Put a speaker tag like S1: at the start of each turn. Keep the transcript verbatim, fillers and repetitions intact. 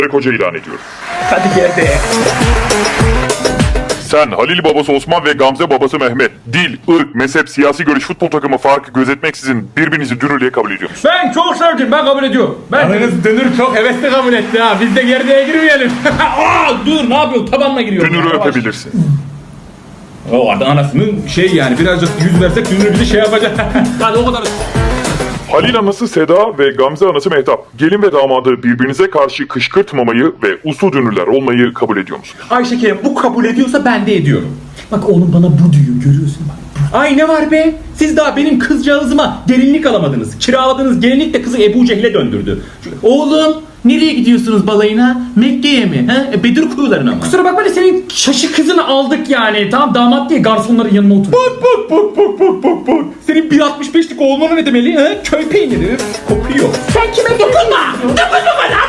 S1: koca ilan ediyorum.
S2: Hadi gel be.
S1: Sen Halil babası Osman ve Gamze babası Mehmet dil, ırk, mezhep, siyasi görüş, futbol takımı farkı gözetmeksizin birbirinizi dünürlüğe kabul ediyor musunuz?
S3: Ben çok sevdim, ben kabul ediyorum. Ben
S2: Ananız dönür çok hevesli kabul etti ha. Biz de gerdeğe girmeyelim.
S3: Aa, dur ne yapıyorsun? Tabanla giriyorum.
S1: Dünürü
S3: Yavaş.
S1: öpebilirsin.
S3: O adam anasının şey yani birazcık yüz versek dünürü bizi şey yapacak. Hadi o kadar.
S1: Halil anası Seda ve Gamze anası Mehtap gelin ve damadı birbirinize karşı kışkırtmamayı ve uslu dünürler olmayı kabul ediyor musunuz?
S3: Ayşe Kerem bu kabul ediyorsa ben de ediyorum. Bak oğlum bana bu diyor, görüyorsun bak. Ay ne var be? Siz daha benim kızcağızıma gelinlik alamadınız. Kiraladığınız gelinlik de kızı Ebu Cehil'e döndürdü. Oğlum nereye gidiyorsunuz balayına? Mekke'ye mi? He? E, Bedir kuyularına mı? Kusura bakma da senin şaşı kızını aldık yani. Tamam damat diye garsonların yanına otur. Bak bak bak bak bak bak bak. Senin bir altmış beşlik oğluna ne demeli? He? Köy peyniri. Kokuyor.
S4: Sen kime dokunma! Dokunma bana!